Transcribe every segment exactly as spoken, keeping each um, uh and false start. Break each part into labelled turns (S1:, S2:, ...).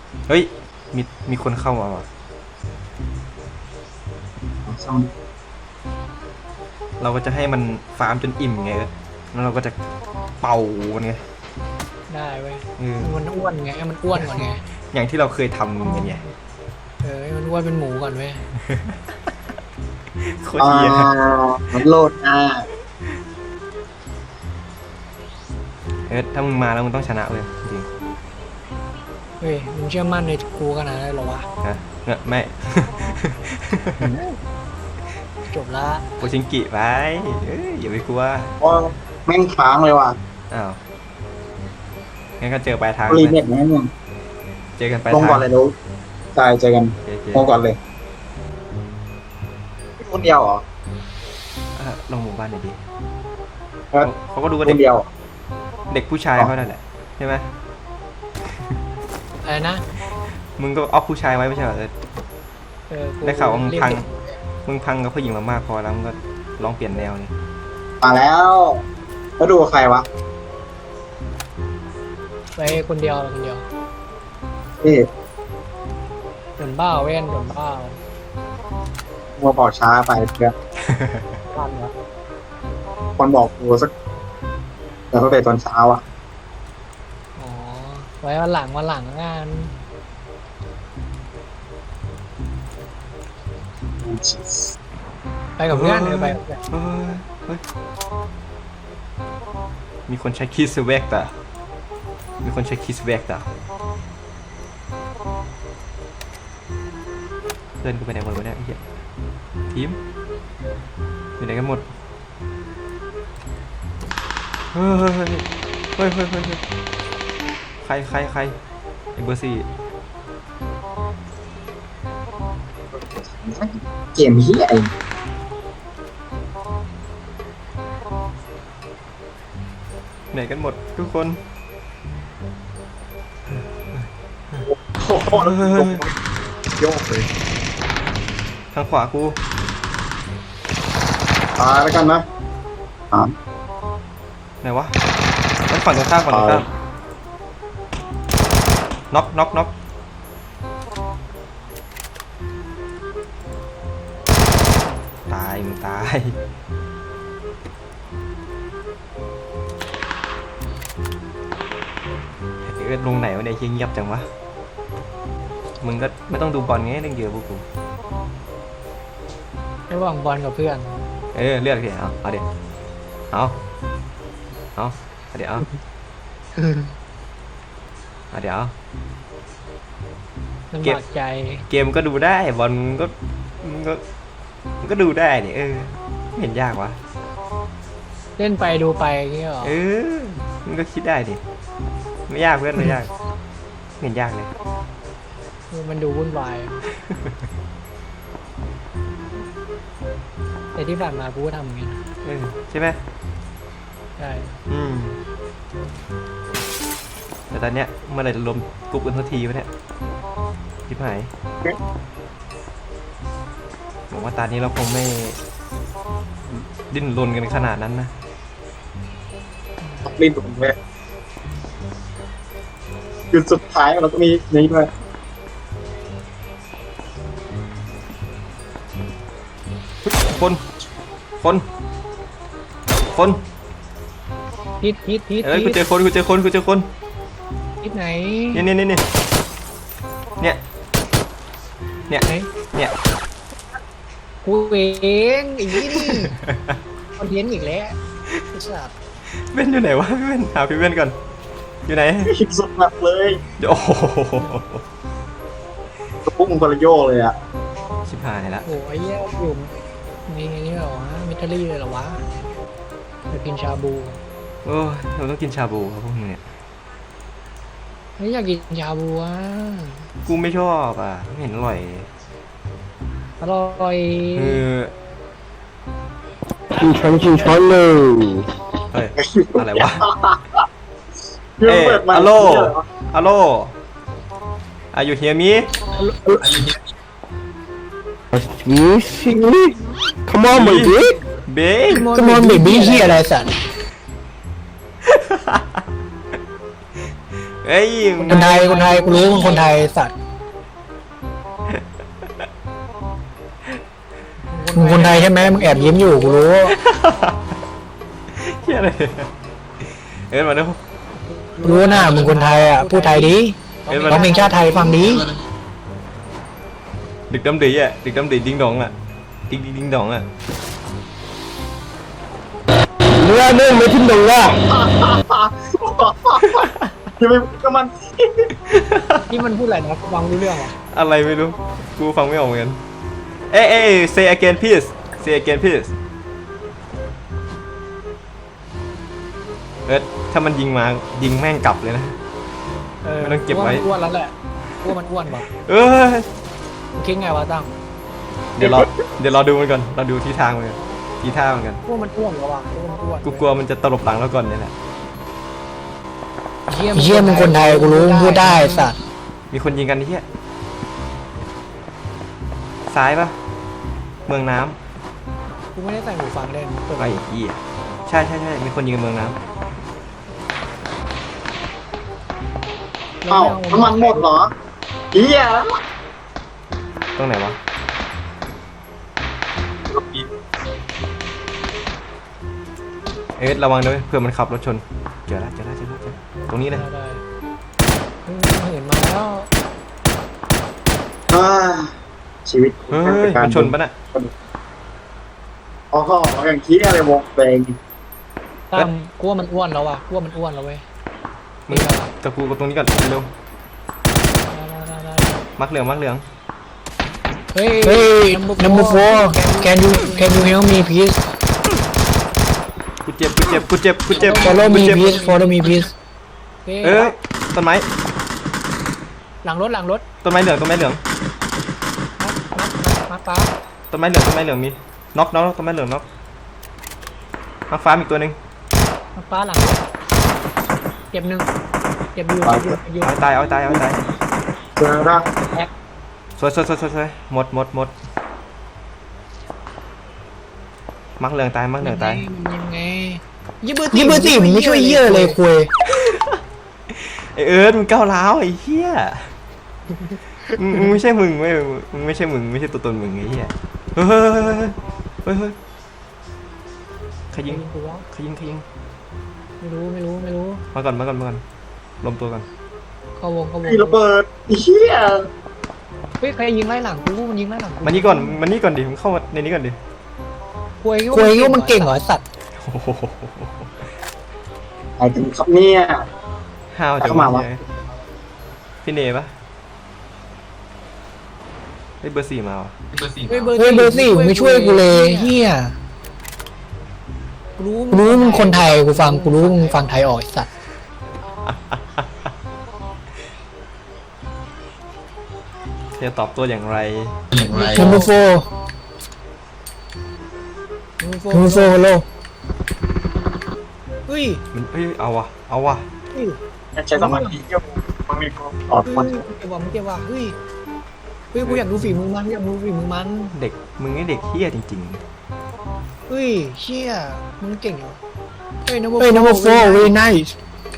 S1: เฮ้ยมีมีคนเข้ามาว่ะเราก็จะให้มันฟาร์มจนอิ่มไงแล้วเราก็จะเป่ามันไง
S2: ได้เว้ย
S1: เออ
S2: มันอ้วนไงมันอ้วนก่อนไง
S1: อย่างที่เราเคยทำกันไง
S2: เออมันอ้วนเป็นหมูก่อนเว้ย
S1: โคตรเหี้ย
S3: มันโลดอ่ะ
S1: เออถ้ามึงมาแล้วมึงต้องชนะเลยจริง
S2: เฮ้ยมึงเชื่อมั่นในกูขนาดนั้นเหรอวะ
S1: ๆนะเงอะไม่
S2: จบละ
S1: โคชิงกิไปเอ้ยอย่าไปกลัว
S3: ว่าแม่งค้างเลยว่ะ
S1: อ้าวงั้นก็เจอปลายทาง
S3: รี
S1: เล
S3: เน็
S1: ย
S3: ตนะเนี่ย
S1: เจอกันปลาย
S3: ลง
S1: ทาง
S3: ก่อนเลยลูกตายเจอกัน
S1: โอเค
S3: ลงก่อนเลยคนเดียวเหรอ
S1: ๆอ่ะลงหมู่บ้านหน่อยดิ
S3: เออ
S1: เขาก็ดูว่า
S3: ค
S1: เด็ก
S3: นเดียว
S1: เด็กผู้ชายเขานั่นแหละใช่ไหม
S2: อะไรนะ
S1: มึงก็เอาผู้ชายไว้ไม่ใช่เหรอ
S2: เออกู
S1: ได้ข่าวว่ามึง
S2: เรียก
S1: พัง
S2: เด็ก
S1: มึงพังกับผู้หญิงมามากพอแล้วมึงก็ลองเปลี่ยนแนวนี่
S3: มาแล้วแล้วดูกับใครวะ
S2: ไปคนเดียวคนเดียว
S3: พี่
S2: โดนบ้าเว้นโดนบ้า
S3: มัวบอกช้าไปเพื่อน
S2: พันวะ
S3: คนบอกกูสักเดี๋ยวไปตอนเช้าอ่ะ
S2: อ๋อไว้วันหลังวันหลังงาน ไปกับเพื่อนเออไปกับเพื่อน
S1: เฮ้ยเฮ้ยมีคนใช้คิสเวกแต่มีคนใช้คิสเวกแต่เพื่อนกูไปไหนหมดวะเนี่ยไอ้เหี้ยทีมอยู่ไหนกันหมดเฮ้ยเฮ้ยเฮ้ยเฮ้ยเฮ้ยเฮ้ยเฮ้ยใครใครใครไอ้เบอร์สี่
S3: เกมเฮียไอ
S1: ไหนกันหมดทุกคน
S3: โอ้โหโยกเลย
S1: ทางขวากู
S3: ตายแล้วกันนะอ่า
S1: ไหนวะไอ้ฝั่งตรงข้ามฝั่งตรงข้ามน็อกน็อกน็อกตายมึงตายเอ็ดลงไหนวะเนี่ยเงียบจังวะมึงก็ไม่ต้องดูบอลไงเล่นเยอะพวกกู
S2: ระหว่างบอลกับเพื่อน
S1: เออเลือกดิเอาเอาเดี๋ยวเอาเอาเอาเดี๋ยวเอาเอาเดี๋ยวเอา
S2: ลำ
S1: เก็บ
S2: บากใจ
S1: เกมก็ดูได้บอลก็มันก็มันก็ดูได้เนี่ยเออไม่เห็นยากวะ
S2: เล่นไปดูไปอย่างเงี้ยหรอ
S1: เออมันก็คิดได้ดิไม่ยากเพื่อนไม่ยากไม่เห็นยากเลย
S2: เออมันดูวุ่นวาย แต่ที่ผ่านมากูก็ทำอย่างเงี้ย
S1: เออใช่ไหม
S2: ใช่
S1: อืมแต่ตอนเนี้ยเมื่อไหร่จะรวมกลุ่มกันทันทีวะเนี่ยทิพหายผมว่าตอนนี้เราคงไม่ดิ้นรนกันขนาดนั้นนะ
S3: ลิ้นผมเลยจุดสุดท้ายเราก็มีนี้ด้วย
S1: คนคนคน
S2: ฮิตฮิตฮิต
S1: เอ้ยกู
S2: ฮิต
S1: เจอคนกูเจอคนกูเจอคน
S2: ฮิตไหน
S1: เนี่ยเนี่ยเนี่ยเนี่ยเนี่ย
S2: ไหน
S1: เนี่ย
S2: กูเองอีกนี่คอนเทนต์อีกแล้วไอ้สัส
S1: เว้นอยู่ไหนวะพี่เว้นหาพี่เว้นก่อนอยู่ไหน
S3: คิดสุดหนักเลย
S1: โอ้โห
S3: กระปุ้งกระโยกเลยอ่ะ
S1: ชิบหายละ
S2: โอ้ยแย่อยู่ในนี่เหรอวะมิทรี่เลยเหรอวะไปกินชาบู
S1: โอ้ยเราต้องกินชาบูครับพวกมึงเนี่ย
S2: ไม่อยากกินชาบูอ่ะ
S1: กูไม่ชอบอ่ะไม่เห็นอร่อย
S2: อร่อย
S1: เออ
S4: 进城进城喽！
S1: เฮ้ยอะไรวะ
S3: เรื่องเปิดมา
S1: เอ้ยอะโล ฮัลโหลอายุเฮียมี
S4: 你是你？Come on, baby!
S1: เบ
S4: Come on, baby!
S2: เฮียอะไรสัตว์
S1: เเอ้ย
S2: คนไทยคนไทยกูรู้มึงคนไทยสัตว์มึงคนไทยใช่ไหมมึงแอบยิ้มอยู่กูรู้
S1: เฮียอะไรเอ็ดมาดู
S2: รู้นะมึงคนไทยอ่ะพูดไทยดิ
S1: เอ็ดมา
S2: ร้องเพลงชาติไทยฟังดิ
S1: ดึกดำดีอ่ะดึกดำดีดิ้งดองอ่ะดิ้งดิ้งดิ้งดองอ่ะ
S4: เนื้อเนื้อไม่ทิ้งหนึ่งว่ะ
S3: ยังไม่ก็มัน
S2: นี่มันพูดอะไรนะฟังรู้เรื่องอ่ะ
S1: อะไรไม่รู้กูฟังไม่ออกเหมือนกันเอ้ยเอ้ย say again please say again please เอ็ดถ้ามันยิงมายิงแม่งกลับเลยนะ ไม่ต้องเก็บไว้
S2: อ้วนแล้วแหละอ้วนมันอ้วนป่ะ
S1: เอ้ย
S2: มึงคิดไงวะตั้ง
S1: เดี๋ยวรอเดี๋ยวรอดูมันก่อนเราดูทิศทางมันก่อนทีท่ามันกัน
S2: อ้วนมันอ้วนแล้วว่ะอ้วนมันอ้วน
S1: กูกลัวมันจะตลบหลังเราก่อนเนี่ยแหละ
S2: เชี่ยมึงคนไทยกูรู้มึงพูดได้สัตว์
S1: มีคนยิงกันที่ซ้ายปะเมืองน้
S2: กูไม่ได้ใส่หูฟังเล่นเปิด
S1: ำไอ้เหี้ยใช่ใช่ใช่มีคนยิงกันเมืองน้
S3: เอ้าน้ำมันหมดเหรอเฮีย
S1: ำตรงไหนวะเอ๊ะระวังด้วยเผื่อมันขับรถชนเจอแล้วเจอแล้วเจอแล้วเจอแล้วตรงนี้เลย
S2: ได้ได้มึงเห็นมาแล้ว
S3: อ่าชีวิต
S1: เฮ้ยมันชนปะน่ะ
S3: อ๋ออย่างที่อะไรวงแดง
S2: ตามกูว่ามันอ้วนแล้วว่ะกูว่ามันอ้วนแล้วเว้ย
S1: มึงกับกูกับตรงนี้ก่อนเร็ว
S2: ได้ได้ได้ได้
S1: มักเหลืองมักเหลือง
S2: เฮ้ย Hey number four can you can you help me please
S1: กูเจ็บกูเจ็บกูเจ็บกูเจ็บ
S2: follow
S1: กู
S2: me
S1: เจ็บ
S2: please follow me please
S1: เอ้ยต้นไม้
S2: หลังรถหลังรถ
S1: ต้นไม้เหลืองต้นไม้เหลือง
S2: มามาฟ้า
S1: ต้นไม้เหลืองต้นไม้เหลืองมีน็อกน็อกต้นไม้เหลืองน็อกมักฟ้ามีอีกตัวหนึ่ง
S2: มาฟ้าหลังเจ็บหนึ่งเจ็บอยู่เจ็บอยู่เจ็บอยู่
S1: เอาให้ตายเอาให้ตายเอาให้ตาย
S3: เจอละ
S2: แอก
S1: สวยสวยสวยสวยสวยหมดหมดหมดมักเหลืองตายมักเหลืองตาย
S2: ยังไงยี่เบอร์ยี่เบอร์สี่มึงไม่ช่วยเยี่ยเลยคุย
S1: ไอเอิร์ธมึงก้าวร้าวไอ้เหี้ยมึงมึงไม่ใช่มึงไม่มึงไม่ใช่มึงไม่ใช่ตัวตนมึงไอ้เหี้ยเฮ้ยเฮ้ยเฮ้ยเฮ้ยใครยิงใครยิงใครยิง
S2: ไม่รู้ไม่รู้ไม่รู้
S1: มาก่อนมาก่อนมาก่อนรวมตัวกัน
S2: เข้าวงเข้าวง
S3: มีระเบิดเฮีย
S2: เฮ้ยใครยิงไล่หลังกูมันยิงไล่หลังกู
S1: มานี่ก่อนมานี่ก่อนดิมึงเข้ามาในนี้ก่อนดิ
S2: คุยคุยว่ามันเก่งเหรอสัตว์
S1: โอ้โห
S3: ไอ้ถึงครับเนี่ย
S1: ห้าวจัง
S3: เข้ามาวะ
S1: เลยพี่เนปะไอ้เบอร์สี่มาวะ
S2: เฮ้ยเบอร์สี่ไม่ช่วยกูเลยเฮียรู้รู้มึงคนไทยกูฟังกูรู้มึงฟังไทยออกสัตว์
S1: จะตอบตัวอย่างไร
S2: number four number four hello เฮ้ย
S1: มันเอ้ยเอาวะเอาวะ
S2: เฮ้ย
S3: ใช้สมาธิเยอะมันมีความตอดมัน
S2: เก็บว่ะมึงเก็บว่ะเฮ้ยเฮ้ยกูอยากดูฝีมือมันกูอยากดูฝีมือมัน
S1: เด็กมึงนี่เด็กเฮี้ยจริง
S2: เฮ้ยเชี่ยมึงเก่งเหรอเฮ้ย number four เฮ้ย number four very nice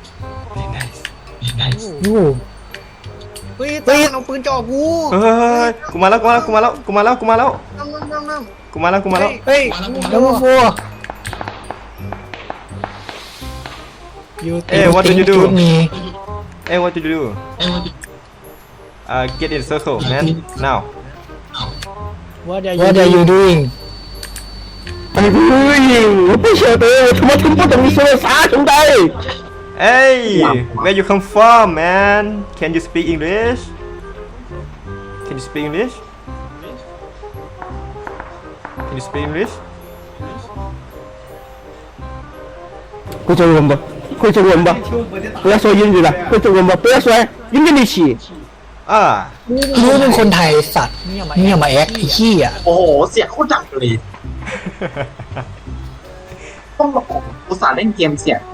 S1: ๆ
S2: โอ้เฮ้ยตาเอาปืนจ่อกู
S1: เฮ้ยกูมาแล้วกูมาแล้วกูมาแล้วกูมาแล้วกูมาแล้ว
S2: นั่งนั่งนั่งนั่ง
S1: กูมาแล้วกูมาแล้ว
S2: เฮ้ย number four you
S1: Hey, what did you do?
S2: think me
S1: Hey what did you do uh get in circle man now
S2: what are
S4: What are you doing ไอ้ผู้หญิงไม่เชื่อเตอทำไมถึงพูดถึงโซซาถึงได้
S1: Hey where you come from man can you speak English can you speak English can you speak English
S4: 会中文不？会中文不？不要说英语了，会中文不？不要说英语系。
S1: อ่า
S2: รู้มึงคนไทยสัตว์เนี่ยมาแอคไอ้ขี้อ่ะ
S3: โอ้โหเสียงโคตรดังเลยต้องบอกอุตส่าห์เล่นเกมเสียง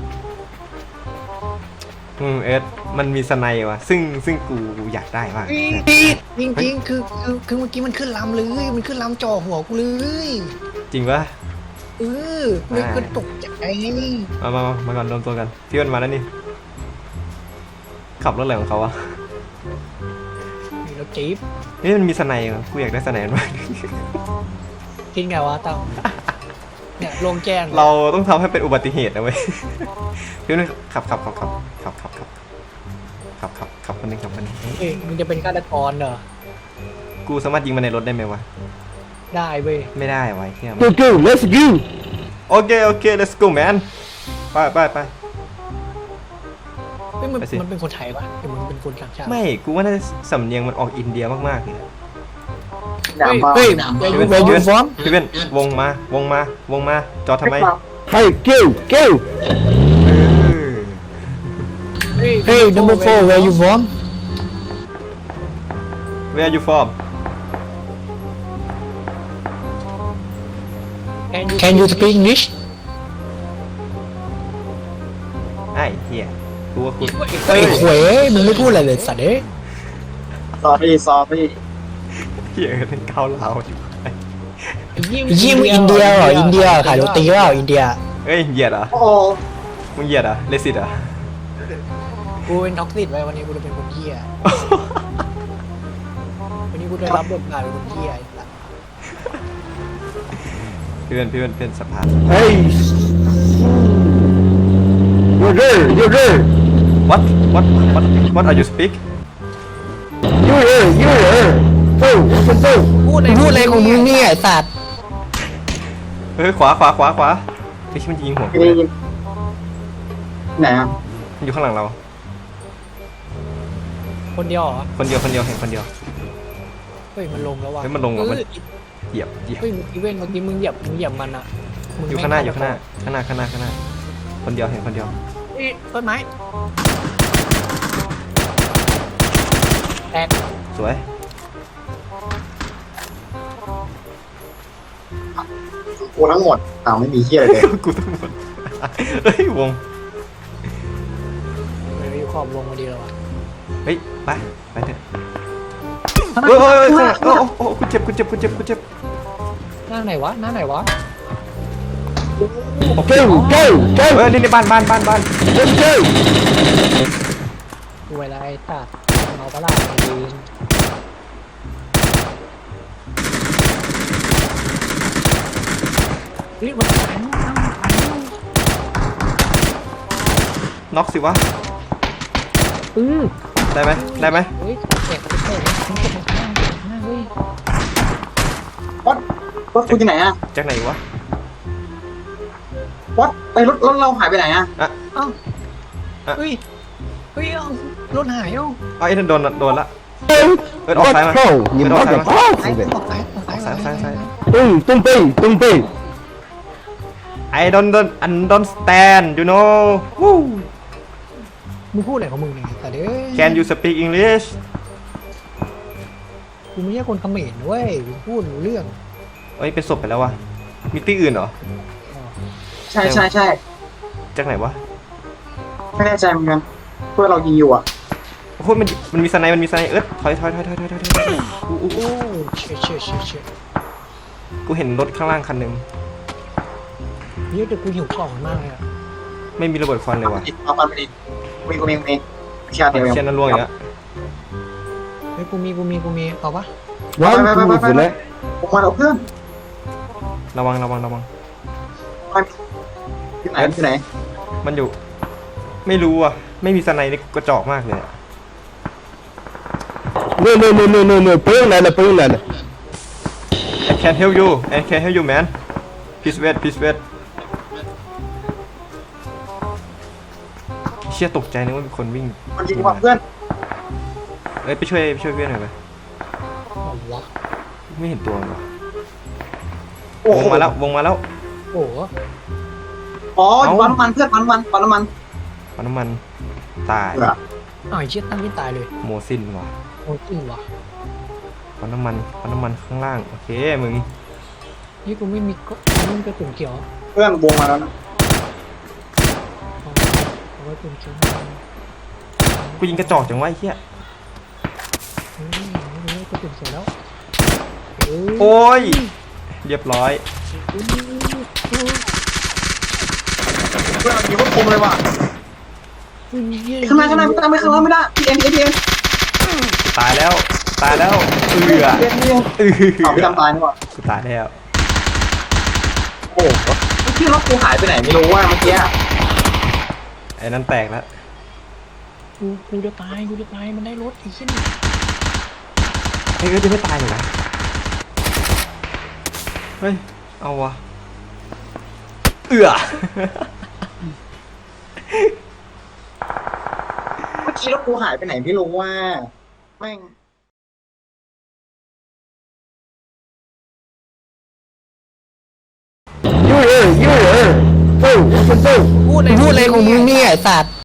S1: อืมเอ็ดมันมีสไนด์ว่ะซึ่งซึ่งกูอยากได้มาก
S2: จริงจริงๆคือคือคือเมื่อกี้มันขึ้นลำเลยมันขึ้นลำจ่อหัวกูเลย
S1: จริงปะ
S2: เออเลยก็ตกใจ
S1: มามามามาก่อนรวมตัวกันพี่อ้นมาแล้วนี่ขับรถอะไรของเขาอะ
S2: มีรถจี๊ป
S1: นี่มันมีสไนด์เหรอกูอยากได้สไนด์มาก
S2: คิดไงวะตั้มเนี่ยโล่งแจ้ง
S1: เราต้องทำให้เป็นอุบัติเหตุนะเว้ย พี่นึกขับขับขับขับขับขับขับขับขับขับคนหนึงขับคนหนึง
S2: เอ้ยมึงจะเป็นฆาตกรเหรอ
S1: กูสามารถยิงมันในรถได้ไหมวะ
S2: ได้เว้ย
S1: ไม่ได้ไวะไอ้เฮีย
S4: go go let's go
S1: โอเคโอเค let's go man ไปไปไป
S2: เฮ้ยมัน
S1: ไปสิ
S2: มันเป็นคนไทยปะหรือมันเป็นคนต่างชาติ
S1: ไม่กูว่าน่าจะสำเนียงมันออกอินเดียมากๆเลย
S3: ด่ามาก
S2: เฮ้ย
S1: พี่
S2: เฮ้ย
S1: เว้น
S2: เว
S1: พี่
S2: ยู
S1: เว้น
S2: ฟอร์ม
S1: พี่เว้นวงมาวงมาวงมาจอดทำไม
S4: hey go go
S1: เออ
S2: เฮ้ย number four where you from
S1: Where are you from
S2: Can you speak English
S1: ไอ้เฮียกูว่าคุณ
S2: เฮ้ยเว้ยมึงไม่พูดอะไรเลยสัตว์เอ้ย
S3: ซอรี่ซอรี่
S1: เฮียเป็นเกาเหลาอยู่
S2: ยิ่งอินเดียเหรออินเดียขายโรตีเปล่าอินเดีย
S1: เอ้ยเหยียดเหรอ
S3: โอ้
S1: มึงเหยียดเหรอเลสิตเหรอ
S2: กูเป็นท็อกซิตไว้วันนี้กูจะเป็นคนเหี้ยวันนี้กูได้รับบทบาทเป็นคนเหี้ยไอ้สัตว์
S1: เพื่อนเพื่อนเพื่อนสภาพ
S4: hey you're there you're there
S1: What What What What are you speak
S4: you're there you're there go let's go
S2: พูดอะไรพูดอะไรของมึงเนี่ยไอ้สัตว์
S1: เฮ้ยขวาขวาขวาขวาไอ้ที่มันยิงหัวกู
S3: ไม่
S1: เล
S3: ได้
S1: ย
S3: ยินไหนอ่ะ
S1: มันอยู่ข้างหลังเรา
S2: คนเดียวเหรอ
S1: คนเดียวคนเดียวเห็นคนเดียว
S2: เฮ้ยมันลงแล้วว่ะ
S1: เฮ้ยมันลงแล้วมัน
S2: เออ
S1: เหยียบเหยียบ
S2: เฮ้ยเมื่อกี้เว้นเมื่อกี้มึงเหยียบมึงเหยียบมันอะมึ
S1: อยู่ข้างหน้าอยู่ข้างหน้าข้างหน้าข้างหน้าข้างหน้าคนเดียวเห็นคนเดียว
S2: เฮ้ยต้นไม้แตก
S1: สวย
S3: กูทั้งหมดอ้าวไม่มีเฮียอะไรเลย
S1: กูต้องหมดเฮ้ยวง
S2: ไม่อยู่ขอบวงมาดีแล้ววะ
S1: เฮ้ยไปไปเถอะเฮ้ยเฮ้ยเฮ้ยข้างหลังโอ้โอ้โอ้กูเจ็บกูเจ็บกูเจ็บกูเจ็บ
S2: หน้าไหนวะหน้าไหนวะ
S1: โอเค
S4: go go
S1: เฮ้
S4: go
S1: ยนี่ในบ้านบ้านบ้านบ้าน
S4: let's go
S2: ดูเวลาไอ้ตัดเอาปลาไอ้ดีนเฮ้ยมันตายมันตายมันตาย
S1: น็อกสิวะ
S2: อือ
S1: ได้ไหมได้ไหม
S2: เฮ้ยเจ็บเจ็บมันเจ็บมันข้างหน้าเฮ้ย
S3: วัดวัดกูที่ไหนอ่ะ
S1: จากไหนวะ
S3: วัดไปรถรถเราหายไปไหนอ่ะ
S2: เอ้าเฮ้ยเฮ้ยเอารถหายเอ้า
S1: เอาไอ้นั่นโดนโดนละ เอิร์ธออกซ้ายมา
S4: let's go
S1: เอิ
S4: you
S1: ร์ธออกซ้ายมา
S2: ซ้าย
S4: motherfucker
S2: ออกซ้ายออกซ้าย
S1: ซ้ายซ้ายซ้าย
S4: tung tung pi tung pi
S1: I don't don't I don't stand you know Woo
S2: มึงพูดอะไรของมึงเนี่ยแต่เด้ย
S1: Can you speak English
S2: กูไม่ใช่คนเขมรเว้ยกูพูดรู้เรื่อง
S1: เอ้ยเป็นศพไปแล้ววะมีตี้อื่นเหรอ
S3: ใช่ใช่ใช่
S1: จากไหนวะ
S3: ไม่แน่ใจเหมือนกันเพื่อนเรายิงอยู่อ่ะ
S1: โอ้โหมันมันมีสไนด์มันมีสไนด์เอิร์ธถอยถอยถอยถอยถอยถอยถอยอู้อู้
S2: โอ้เชี่ยเชี่ยเชี่ยเชี่ย
S1: กูเห็นรถข้างล่างคันหนึ่ง
S2: เยอะแต่กูหิวกล่องมากเลยอะ
S1: ไม่มีระเบิดควันเลย
S3: เอา
S1: ว่ะ
S3: ไปดิเอาไปดิมีกูมีกูมีวิชาเดียวเอง
S1: เชียนนั้นล่วงอีกแล้ว
S2: เฮ้ยกูมีกูมีกูมีเอาปะ
S4: one two three
S3: ผมมาเอาเพื่อน
S1: ระวังระวังระวัง
S3: ไปที่ไหนที่ไหน
S1: มันอยู่ ไม่รู้อ่ะไม่มีสไนด์นี่กระจอกมากเลยอะ
S4: no no no no no no payung nana payung nana
S1: I can help you I can help you man please wait please wait เชี่ยตกใจนึกว่ามีคนวิ่ง
S3: มันยิงว่าเพื่อน
S1: เอ้ยไปช่วยไปช่วยเพื่อนหน่อยไป
S2: เอาวะ
S1: ไม่เห็นตัวมันวะ
S3: โอ้
S1: ว
S3: โห
S1: งมาแล้ววงมาแล้ว
S2: โอ้โห
S3: อ๋ออยู่ปั๊มน้ำมันเพื่อนปั๊มน้ำมันปั๊มน้ำมัน
S1: ปั๊มน้ำมันตาย
S3: เออ
S2: อ้าวไอ้เชี่ยตั้งไม่ตายเลย
S1: โมซินว่ะ
S2: โอ้จริงวะ
S1: ปั๊มน้ำมันปั๊มน้ำมันข้างล่างโอเคมึง
S2: นี่กูไม่มีก็ไม่มีกระสุนเขียว
S3: เพื่อนวงมาแล้วนะ
S2: เอาเอาไว้เป็นเชื้อ
S1: กูยิงกระจอกจังวะไอ้เหี้ย
S2: เฮ้ยเฮ้ยกระสุนเสร็จแล้วเอ้ย
S1: โอ้ยเรียบร้อย
S2: เฮ้ยเฮ้ย
S3: เพื่อนเรายิงว่าคมเลยว่ะข้างหน้าข้างหน้าไม่ได้ไม่ข้างหน้าไม่ได้พี่เอ็มพี่เอ็ม
S1: ตายแล้วตายแล้วเอือ
S3: พี่เอ็มพี่เอ็ม
S1: เอือ
S3: เอาพี่ทำตายนี่หว่า
S1: กูตายแล้ว
S3: โอ้โหพี่รถกูหายไปไหนไม่รู้ว่าเมื่อกี้
S1: ไอ้นั่นแตกแล้ว
S2: กูกูจะตายกูจะตายมันได้รถไอ้เหี้ย
S1: ไอ้เอิร์ธจะไม่ตายเลยนะเฮ้ยเอาวะเอือ
S3: เมื่อกี้รถกูหายไปไหนไม่รู้ว่าแม่ง
S4: ยูเออยูเออสู้สู้
S2: พูดอะไรพูดอะไรของมึงเนี่ยไอ้สัตว์